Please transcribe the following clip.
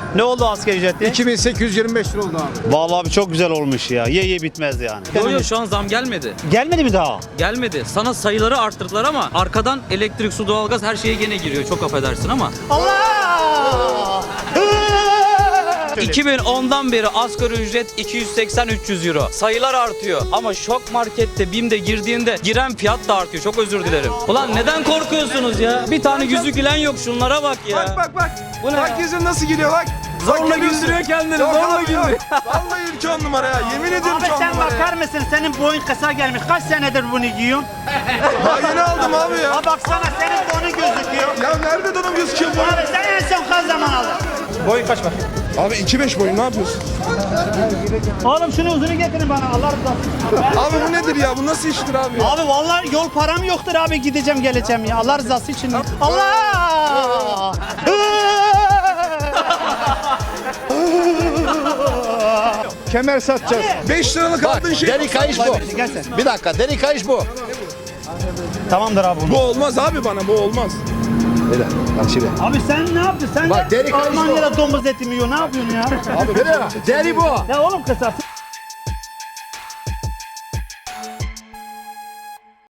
Ne oldu asgari ücretli? 2825 lira oldu abi. Vallahi abi çok güzel olmuş ya. Ye bitmez yani. Yok şu an zam gelmedi. Gelmedi mi daha? Gelmedi. Sana sayıları arttırdılar ama arkadan elektrik, su, doğalgaz her şeye gene giriyor. Çok affedersin ama. Allah! 2010'dan beri asgari ücret 280-300 euro. Sayılar artıyor ama Şok Market'te, BİM'de girdiğinde giren fiyat da artıyor. Çok özür dilerim. Ulan neden korkuyorsunuz ya? Bir tane yüzü gülen yok, şunlara bak ya. Bak. Bu ne Bak ya? yüzün nasıl gülüyor bak. Zorla Bak, güldürüyor kendini, Yok zorla abi, güldürüyor. yok. Vallahi ülke 10 numara ya. Yemin ediyorum Abi 10 sen numara bakar ya. mısın? Senin boyun kısa gelmiş. Kaç senedir bunu giyiyorsun? Daha yeni aldım abi ya. Ha baksana senin boyun gözüküyor. Ya nerede donum gözüküyor bu? Abi sen en son kaç zaman aldın? Boyun kaç bak. Abi 2.5 boyun ne yapıyorsun? Oğlum şunu uzunu getirin bana Allah rızası için. Abi bu nedir ya? Bu nasıl iştir abi? Abi vallahi yol param yoktur abi gideceğim geleceğim ya Allah rızası için. Allah! Kemer satacağız. 5 liralık aldığın şey. Deri kayış bu. Gel sen. Bir dakika, deri kayış bu. Tamamdır abi bunu. Bu olmaz abi bana bu olmaz. Öyle. Bak şimdi. Abi sen ne yaptın? Sen Bak, de deri kayış Almanya'da domuz eti mi yiyor? Ne yapıyorsun ya? Abi böyle. Deri bu. Ya oğlum kısası.